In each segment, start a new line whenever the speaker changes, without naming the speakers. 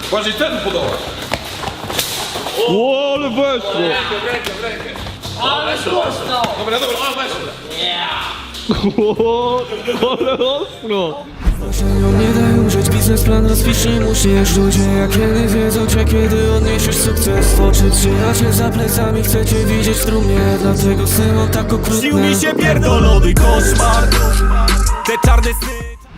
Bardziej ten podoba.
O, ale weszło!
W rękę.
Ale głośno!
Dobra, weszło.
O, ale ostro!
Nie daj użyć, biznesplan rozpiszcie mu się. Ludzie jak kiedy wiedzą cię, kiedy odniesiesz sukces. Oczy trzymacie za plecami, chcecie widzieć w trumnie. Dlatego syno tak okrutne.
Śnił mi się pierdolony koszmar. Te czarne sny.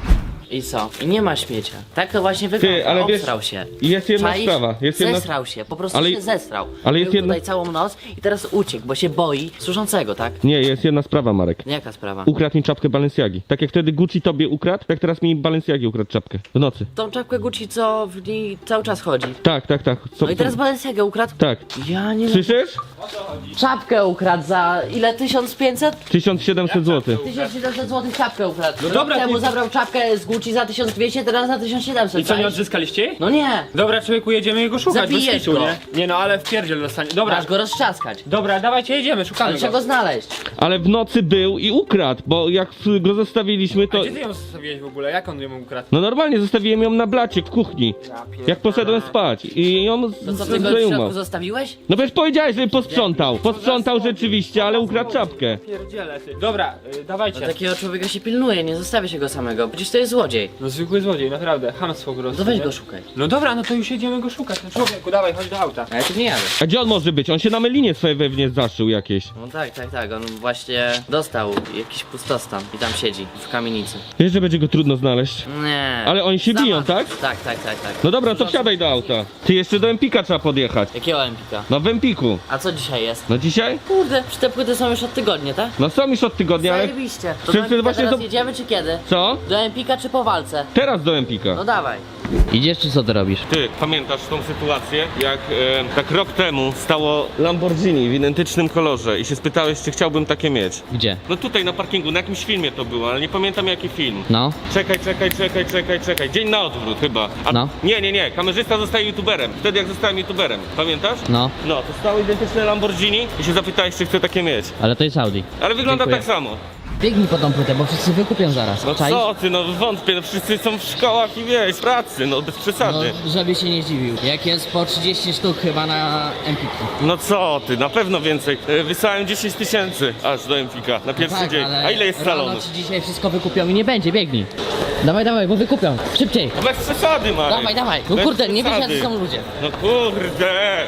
I co? I nie ma śmiecia. Tak to właśnie
Ty,
wygląda.
ale wiesz,
Obsrał się.
jest jedna
Czaisz?
sprawa, jest jedna-
Zesrał się, po prostu
Ale-
się zesrał.
ale jest
Był
jedna-
tutaj całą noc i teraz uciekł, bo się boi służącego, tak?
Nie, jest jedna sprawa, Marek.
Jaka sprawa?
Ukradł mi czapkę Balenciagi. Tak jak wtedy Gucci tobie ukradł, tak teraz mi Balenciagi ukradł czapkę. W nocy.
Tą czapkę Gucci, co w niej cały czas chodzi.
Tak. Co,
No i teraz Balenciaga ukradł?
Tak.
Ja nie wiem.
Słyszysz?
Czapkę ukradł za ile? 1500?
1700 zł.
1700 zł czapkę ukradł. No
dobra,
temu
ty-
zabrał czapkę z Gucci za 1200, teraz za 1700.
I co, nie
czaisz?
odzyskaliście jej?
No nie.
Dobra, człowieku, jedziemy go szukać, bez
Zabijesz
kitu,
go.
nie? Nie no, ale w pierdziel dostanie. Dobra,
Masz go roztrzaskać.
dobra, dawajcie, jedziemy, szukamy
Ale trzeba
go.
go znaleźć.
Ale w nocy był i ukradł, bo jak go zostawiliśmy, to...
Gdzie ty ją zostawiłeś w ogóle? Jak on ją ukradł?
No normalnie zostawiłem ją na blacie w kuchni. Jak poszedłem spać i ją
To co, ty go w
zdejmał.
środku zostawiłeś?
No przecież powiedziałeś, że posprzątał. Posprzątał rzeczywiście, ale ukradł czapkę.
Pierdziele, ty. Dobra, dawajcie.
Takiego człowieka się pilnuje, nie zostawia się go samego. Przecież to jest złodziej.
No zwykły złodziej, naprawdę, chamstwo po prostu.
To weź
nie?
go szukaj.
No dobra, no to już jedziemy go szukać. No człowieku, dawaj, chodź do auta.
A ja tu nie jadę.
A gdzie on może być? On się na melinie swojej wewnątrz zaszył jakieś.
No tak. On właśnie dostał jakiś pustostan i tam siedzi w kamienicy.
Wiesz, że będzie go trudno znaleźć.
Nie.
Ale oni się biją, tak?
Tak.
No dobra, to wsiadaj do auta. Ty jeszcze do Empika trzeba podjechać.
Jakiego Empika?
No w Empiku.
A co dzisiaj jest?
No dzisiaj?
Kurde, przecież te płyty są już od tygodnia, tak?
No są już od tygodnia, ale...
Zajebiście. To
Wszyscy
do Empika
właśnie
teraz
do-
jedziemy czy kiedy?
Co?
Do Empika czy po walce?
Teraz do Empika.
No dawaj. Idziesz czy co ty robisz?
Ty, pamiętasz tą sytuację, jak tak rok temu stało Lamborghini w identycznym kolorze i się spytałeś, czy chciałbym takie mieć?
Gdzie?
No tutaj na parkingu, na jakimś filmie to było, ale nie pamiętam jaki film.
No.
Czekaj. Dzień na odwrót chyba.
No.
Nie. Kamerzysta zostaje youtuberem. Wtedy jak zostałem youtuberem. Pamiętasz?
No.
No, to stało identyczne Lamborghini i się zapytałeś, czy chcę takie mieć.
Ale to jest Audi.
Ale wygląda
Dziękuję.
tak samo.
Biegnij po tą płytę, bo wszyscy wykupią zaraz.
No co ty, no wątpię, no wszyscy są w szkołach i wiesz, w pracy, no bez przesady.
żeby się nie zdziwił. Jak jest po 30 sztuk chyba na Empiku.
No co ty, na pewno więcej. Wysłałem 10 000 aż do Empika na pierwszy dzień. A ile jest salonów?
Rano ci dzisiaj wszystko wykupią i nie będzie, biegnij. Dawaj, bo wykupią. Szybciej.
No bez przesady, Marek.
Dawaj. No
Bez
kurde, nie wiesz
przesady.
jacy są ludzie.
No kurde.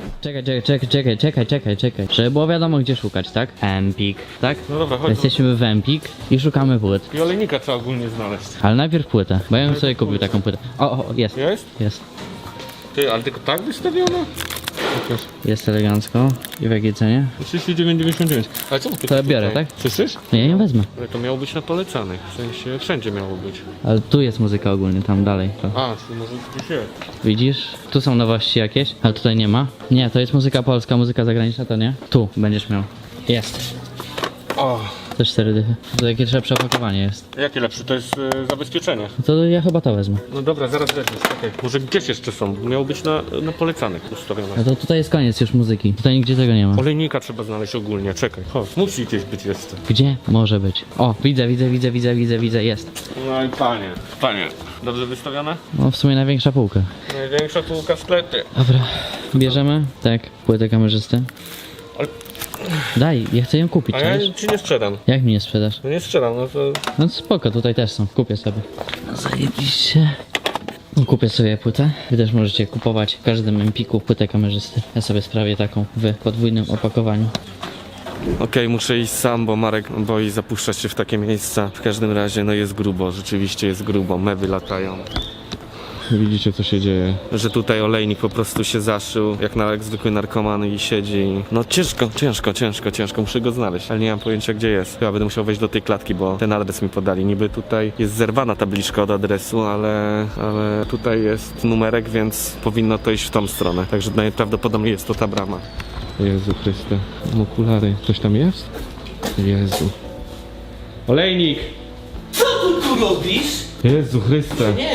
Czekaj. Żeby było wiadomo gdzie szukać, tak? Empik, tak?
No dobra, chodź.
Jesteśmy w Empik i szukamy płyt.
I olejnika trzeba ogólnie znaleźć.
Ale najpierw płytę, bo ja bym sobie kupił taką płytę. O, jest.
Jest? Ty, ale tylko tak wystawiona?
Jest elegancko. I w jakiej cenie?
39,99. Ale co ty
To ja biorę, tak?
Słyszysz?
Nie, nie wezmę.
Ale to miało być na polecanych, w sensie wszędzie miało być.
Ale tu jest muzyka ogólnie, tam dalej. To.
A, czy może gdzieś jest?
Widzisz? Tu są nowości jakieś, ale tutaj nie ma. Nie, to jest muzyka polska, muzyka zagraniczna to nie. Tu będziesz miał. Jest.
O,
To 4 dychy. To jakie lepsze opakowanie jest.
jakie lepsze? To jest zabezpieczenie.
No to ja chyba to wezmę.
No dobra, zaraz weźmiesz, okej. Może gdzieś jeszcze są? Miało być na polecanych ustawione.
No to tutaj jest koniec już muzyki. Tutaj nigdzie tego nie ma.
Olejnika trzeba znaleźć ogólnie, czekaj. Chodź, musi gdzieś być jeszcze.
Gdzie może być? O, widzę, jest.
No i panie. Dobrze wystawione?
No w sumie największa półka.
Największa półka w sklepie.
Dobra, bierzemy? Tak, płytę kamerzysty.
Ale-
Daj, ja chcę ją kupić,
A ja
czaisz?
ci nie sprzedam.
Jak mi nie sprzedasz?
No nie sprzedam, no to...
No spoko, tutaj też są, kupię sobie. Zajebiście. Kupię sobie płytę. Wy też możecie kupować w każdym Empiku płytę kamerzysty. Ja sobie sprawię taką w podwójnym opakowaniu.
Okej, muszę iść sam, bo Marek boi zapuszczać się w takie miejsca. W każdym razie, no jest grubo, rzeczywiście jest grubo, mewy latają. Widzicie co się dzieje? Że tutaj olejnik po prostu się zaszył, jak zwykły narkoman i siedzi. No ciężko, muszę go znaleźć, ale nie mam pojęcia gdzie jest. Chyba będę musiał wejść do tej klatki, bo ten adres mi podali. Niby tutaj jest zerwana tabliczka od adresu, ale tutaj jest numerek, więc powinno to iść w tą stronę. Także najprawdopodobniej jest to ta brama. Jezu Chryste, mam okulary. Coś tam jest? Jezu. Olejnik!
Co tu robisz?
Jezu Chryste.
Nie, mój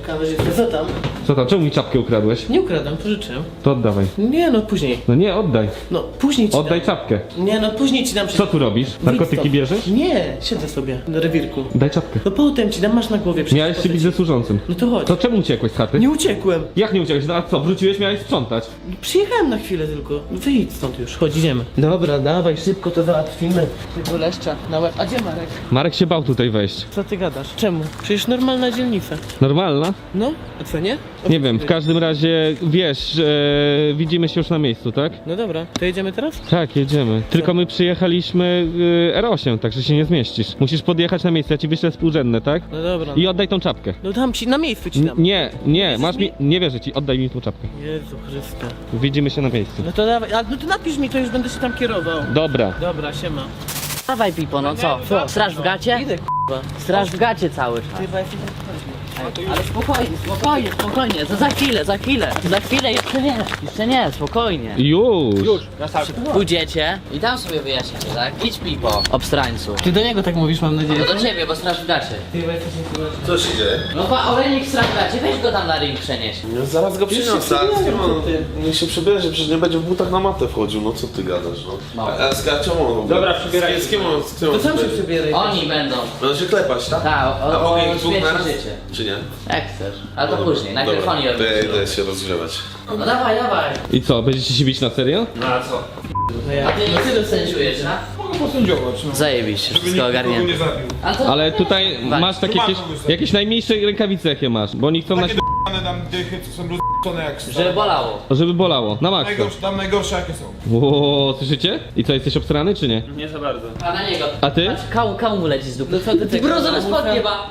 kamerzysta, co tam?
Co tam, czemu mi czapkę ukradłeś?
Nie ukradam, pożyczyłem.
To oddawaj.
Nie no, później.
No nie, oddaj.
No, później ci
Oddaj
dam.
czapkę.
Nie no, później ci dam.
Co tu robisz? Narkotyki bierzesz?
Nie, siedzę sobie na rewirku.
Daj czapkę.
No potem ci dam, masz na głowie. przecież
Miałeś się
potem
bić
ci-
ze służącym.
No to chodź.
To czemu uciekłeś z chaty?
Nie uciekłem.
Jak nie uciekłeś? No a co, wróciłeś, miałeś sprzątać.
Przyjechałem na chwilę tylko. Wyjdź stąd już, chodź, idziemy. Dobra, dawaj, szybko to załatwimy. Tego leszcza na łeb. A gdzie Marek?
Marek się bał tutaj wejść.
Co ty gadasz? Czemu? Przecież normalna dzielnica.
Normalna?
No, a co nie?
Nie wiem, w każdym razie wiesz, widzimy się już na miejscu, tak?
No dobra, to jedziemy teraz?
Tak, jedziemy. Tylko my przyjechaliśmy R8, także się nie zmieścisz. Musisz podjechać na miejsce, ja ci wyślę współrzędne, tak?
No dobra.
I oddaj tą czapkę.
No dam ci, na miejscu ci dam.
Nie, masz mi, nie wierzę ci, oddaj mi tą czapkę.
Jezu Chryste.
Widzimy się na miejscu.
No to dawaj, no to napisz mi, to już będę się tam kierował.
Dobra.
Dobra, siema.
Dawaj Pipo, no co? Straż w gacie?
Idę k***a.
Straż w gacie cały czas.
Ty weź.
Ale spokojnie, za chwilę, jeszcze nie, spokojnie.
Już.
Na starcie.
Pójdziecie i tam sobie wyjaśnicie, tak? Idź Pipo, obstrańcu.
Ty do niego tak mówisz, mam nadzieję.
No do ciebie, bo straż w gacie.
Ty weź coś nie
Co się dzieje?
No pa, olejnik straż w gacie, weź go tam na ring przenieś.
No zaraz go przyniosę. Niech się przebierze, przecież nie będzie w butach na matę wchodził, no co ty gadasz, no.
No.
A z czemu on w ogóle?
Dobra, przebieraj.
Z kim on? Z kim
To
on
sam się
będzie?
przebieraj.
Oni będą.
Będą się klepać, tak?
Tak,
A mogę ich dwóch
śmierci
naraz?
życie.
Czy nie?
Jak chcesz, ale to później, najpierw
Dobra,
oni
to
robią.
ja idę się rozgrzewać.
No dawaj.
I co, będziecie się bić na serio?
No a co?
A ty sędziujesz, tak?
Mogę posędziować, no.
Zajebiście, wszystko ogarnięte.
nie zabił.
A to...
Ale tutaj masz takie jakieś najmniejsze rękawice jakie masz, bo oni chcą na
Takie d***ane tam dychy, co są rozd***one jak
Żeby bolało.
żeby bolało, na maksa.
Tam najgorsze jakie są.
Ło, słyszycie? I co, jesteś obstrany czy nie?
Nie za bardzo.
A na niego.
A ty?
Kał mu leci z dupy.
No co ty
Ty
tego
brązowe
zamówisz?
spodnie ma.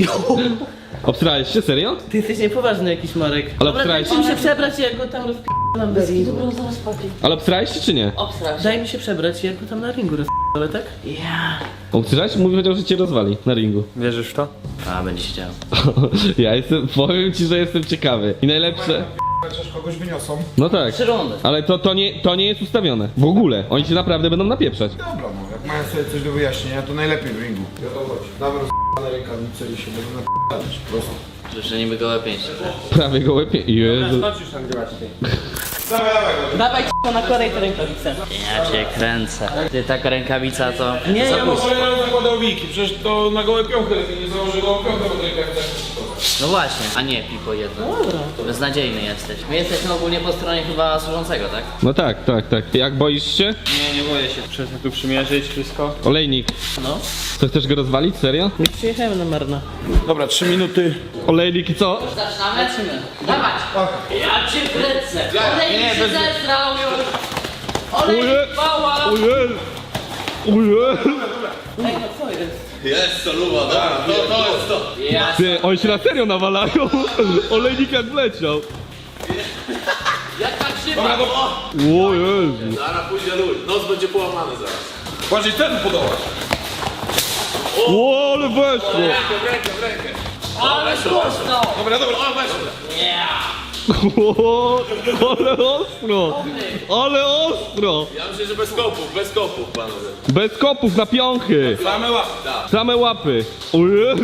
Obstrałeś się, serio?
Ty jesteś niepoważny jakiś, Marek.
Ale
Dobra,
obstrałeś
daj mi się przebrać i jak go tam rozp***am do ringu.
Brązowe spodnie.
Ale obstrałeś się czy nie?
Obstraż.
Daj mi się przebrać i jak go tam na ringu ale tak?
Ja.
Obstrałeś? Mówi, powiedział, że cię rozwali na ringu.
Wierzysz w to?
A, będzie się działo.
Ja jestem, powiem ci, że jestem ciekawy. I najlepsze...
Chociaż kogoś wyniosą.
No tak.
3 rundy.
Ale to nie jest ustawione. W ogóle. Oni cię naprawdę będą napieprzać.
Dobra, no. Jak mają sobie coś do wyjaśnienia, to najlepiej w ringu. Ja to chodź. Damy rozd***ane rękawice i się będą nap***ać. Prosto.
Że niby gołe pięści.
Prawie go łepie. Jezu.
Chodź już nagrywać ty.
Dawaj, dawaj.
Dawaj na kolej te rękawice.
Ja cię kręcę. Ty taka rękawica to...
Nie, ja
No bo ja zakładał wiki, przecież to na gołe piąchy lepiej nie założy gołą piąchę, bo rękawica.
No właśnie, a nie Pipo jedno.
Dobra.
Beznadziejny jesteś. My jesteśmy ogólnie po stronie chyba służącego, tak?
No tak. Jak boisz się?
Nie boję się. Przecież tu przymierzyć wszystko.
Olejnik.
No.
Co, chcesz go rozwalić? Serio?
Nie przyjechałem na marna.
Dobra, 3 minuty.
Olejnik i co?
Zaczynamy? Dawać! Ja cię kręcę! Olejnik się zesrał już! Olejnik bała!
Ojej! Ojej!
Ej, no co jest?
Jest to luba, dobra, to jest to.
Ja...
Ty, oni się na serio nawalają. Olejnik jak wleciał.
Jaka krzywa!
O Jezu.
Zaraz pójdzie lód, nos będzie połamany zaraz.
Bardziej ten podołać.
O, ale weszło.
W rękę.
Ale prosto!
Dobra, dobra.
O, weź.
O, ale ostro. Ale ostro.
Ja myślę, że bez kopów, panowie.
Bez kopów na piąchy.
Same łapy.
Same łapy. O Jezu.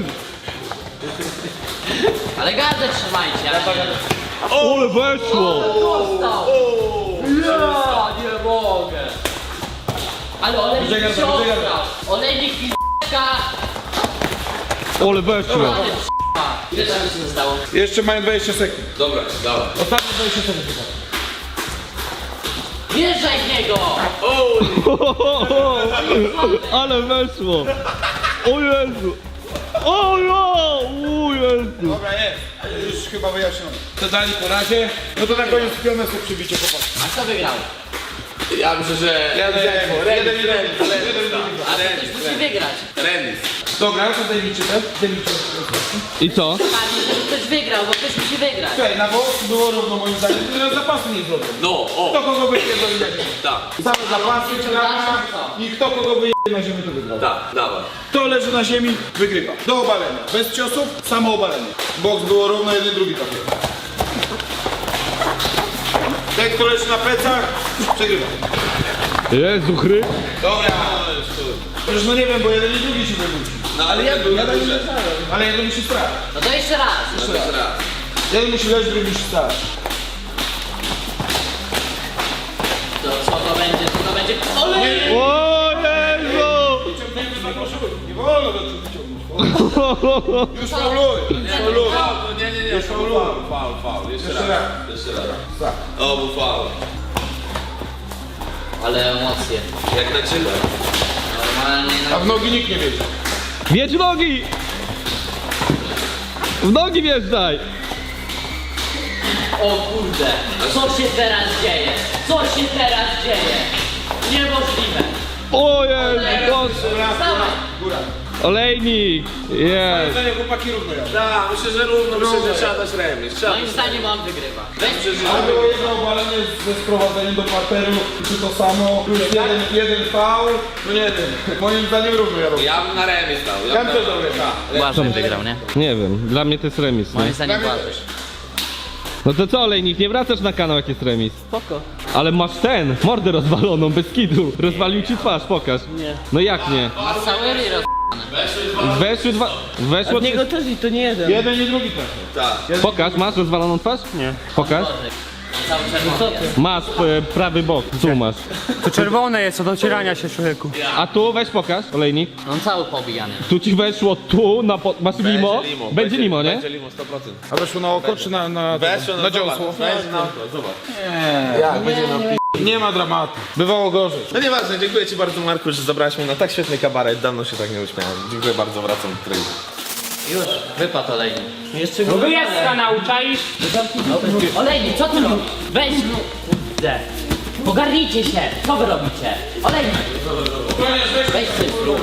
Ale gardę trzymajcie, ale nie...
Ale weszło.
Dostał! Ja nie mogę! Ale olejnik się ostrał! Olejnik p***ka!
Ale weszło.
Ale p***a! Ile tam się zostało?
Jeszcze mają 20 sekund.
Dobra, dawaj.
Wjeżdżaj w niego!
Ale weszło. O Jezu. O Jezu.
Dobra, jest. Już chyba wyjaśnione. To dali po razie. No to na koniec pionę sobie przybicie, chłopaki.
A kto wygrał?
Ja myślę, że...
A ktoś musi wygrać.
Remis.
Dobra, to zajmijcie te.
I co?
Panie, żeby ktoś wygrał, bo ktoś musi wygrać.
Słuchaj, na boku było równo moim zdaniem, teraz zapasy nie zrobią.
No,
Kto
o,
kogo wypierdoli na ziemię?
tak,
Same zapasy czy na i kto kogo wyjdzie na ziemię to wygrał.
tak, dawaj.
Kto leży na ziemi, wygrywa. Do obalenia. Bez ciosów, samo obalenie. Boks było równo, jeden, drugi trafił. Ten, kto leży na plecach, przegrywa.
Jezu chry.
Dobra. Przecież no nie wiem, bo jeden i drugi się wywróci. Ale jeden musi stać.
No to jeszcze raz.
Jeden musi leżeć, drugi musi stać.
To co to będzie, co to będzie? Olej!
O Jezu!
Nie wolno do ciebie wyciągnąć. Już fauluj.
Nie, już faul. Jeszcze raz. O, był faul.
Ale emocje.
Jak na ciebie.
Normalnie
A w nogi nikt nie wiedzie.
Wiedź w nogi! W nogi wjeżdżaj!
O kurde, co się teraz dzieje? Co się teraz dzieje? Niemożliwe.
O Jezu!
Wstawaj.
Olejnik! Jest!
Zdanie chłopaki równo jadą.
Tak, myślę, że równo, myślę, że trzeba dać remis.
Moim zdaniem on wygrywa.
A było jedno obalenie ze sprowadzeniem do parteru, czy to samo, plus jeden faul, no nie wiem. Moim zdaniem równo jadą.
Ja bym na remis dał.
Ja bym też dał remis.
Błażej wygrał, nie?
Nie wiem, dla mnie to jest remis.
Moim
Nie?
zdaniem Błażej.
No to co, Olejnik, nie wracasz na kanał jak jest remis?
Spoko.
Ale masz mordę rozwaloną, bez kitu. Rozwalił ci twarz, pokaż.
Nie.
No jak nie?
Masz cały ryj
Weszło
Od niego też i to nie jeden.
Jeden i drugi też.
Pokaż, masz rozwaloną twarz? Nie. Pokaż.
Cały czerwony.
Masz prawy bok, tu masz.
To czerwone jest od ocierania się, człowieku.
A tu weź pokaż, Olejnik.
On cały pobijany.
Tu ci weszło tu, masz limo. Będzie limo, nie?
Będzie limo 100%.
A weszło na oko czy na
Weszło
na dziąsło?
Weź na oko, zobacz.
Jak będzie na Nie ma dramatu. Bywało gorzej.
No nieważne, dziękuję ci bardzo, Marku, że zabrałeś mnie na tak świetny kabaret. Dawno się tak nie uśmiałem. Dziękuję bardzo, wracam do treningu.
Już, wypadł olejnik.
Jeszcze go
Jest kanał, czaisz?
Olejnik, co ty robisz? Weź no. Kurde. Pogarnijcie się. Co wy robicie? Olejnik. Weź ty zrób.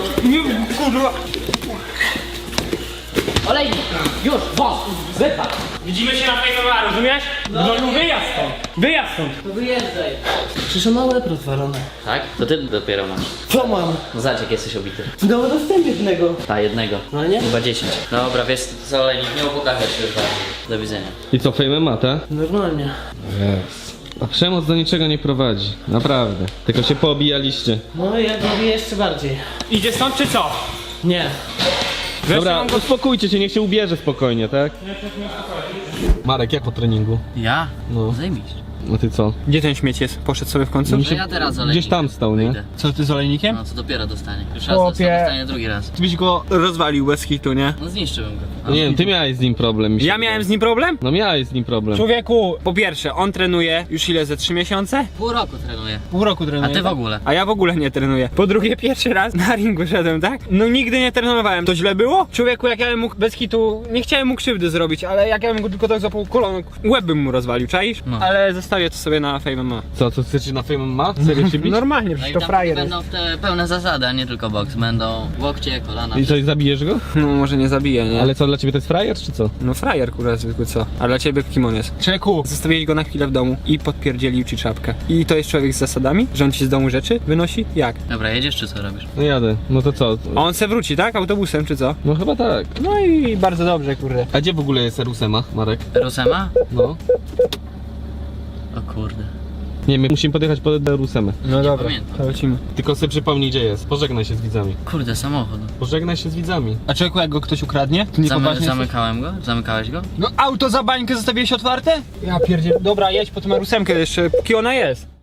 Olejnik. Już, wąs. Wypadł.
Widzimy się na fejmowar, rozumiesz? No wyjazd stąd. Wyjazd stąd.
To wyjeżdżaj.
Przecież on ma łeb rozwalony.
Tak? To ty dopiero masz.
Co mam?
No zobacz jak jesteś obity.
No dostęp jednego.
Ta jednego.
No nie?
Chyba 10. Dobra, wiesz co, olejnik, nie upokarzaj się już bardziej. Do widzenia.
I co, fejmem ma, tak?
Normalnie.
A przemoc do niczego nie prowadzi. Naprawdę. Tylko się poobijaliście.
No ja robię jeszcze bardziej.
Idzie stąd czy co?
Nie.
Dobra, uspokójcie się, niech się ubierze spokojnie, tak? Marek, jak po treningu?
Ja?
No.
Zajmiście.
No ty co?
Gdzie ten śmieć jest? Poszedł sobie w końcu?
No ja teraz olejnik.
Gdzieś tam stał, nie?
Wyjdę.
Co ty z olejnikiem?
No co dopiero dostanie. Już raz
Chłopie.
dostanie drugi raz.
Ty byś go rozwalił bez hitu, nie?
No zniszczyłbym go.
No nie wiem, ty miałeś z nim problem. mi się
Ja
wydaje.
miałem z nim problem?
No miałeś z nim problem.
Człowieku, po pierwsze, on trenuje już ile, ze 3 miesiące?
Pół roku trenuję.
Pół roku trenuje.
A ty w
tak?
ogóle?
A ja w ogóle nie trenuję. Po drugie, pierwszy raz na ringu szedłem, tak? No nigdy nie trenowałem. To źle było? Człowieku, jak ja bym mógł bez hitu, nie chciałem mu krzywdy zrobić, ale jak ja bym go tylko tak złapał kolano, łeb bym mu rozwalił, czaisz?
No.
Ale zostawię to sobie na Fame MMA.
Co chcecie na Fame ma? Serio się bić?
Normalnie,
No
przecież
i
to
tam
frajer jest.
będą te pełne zasady, a nie tylko boks. Będą łokcie, kolana.
I coś zabijesz go?
No może nie zabiję, nie?
Ale co, dla ciebie to jest frajer, czy co?
No frajer, kurwa, zwykły co? A dla ciebie kim on jest? Człowieku, zostawiłeś go na chwilę w domu i podpierdzielił ci czapkę. I to jest człowiek z zasadami? Że on ci z domu rzeczy wynosi? Jak?
Dobra, jedziesz czy co robisz?
No jadę. No to co?
A on se wróci, tak? Autobusem czy co?
No chyba tak.
No i bardzo dobrze, kurde.
A gdzie w ogóle jest Rusema, Marek?
Rusema?
No.
O kurde.
Nie, my musimy podjechać pod Rusemę.
No dobra,
pamiętam.
to lecimy.
Tylko sobie przypomnij, gdzie jest. Pożegnaj się z widzami.
Kurde, samochód.
Pożegnaj się z widzami.
A człowieku, jak go ktoś ukradnie? To niepoważnie jest?
Zamykałem go? Zamykałeś go?
No auto za bańkę zostawiłeś otwarte? Ja pierdzie. Dobra, jedź po tą rusemkę jeszcze, póki ona jest.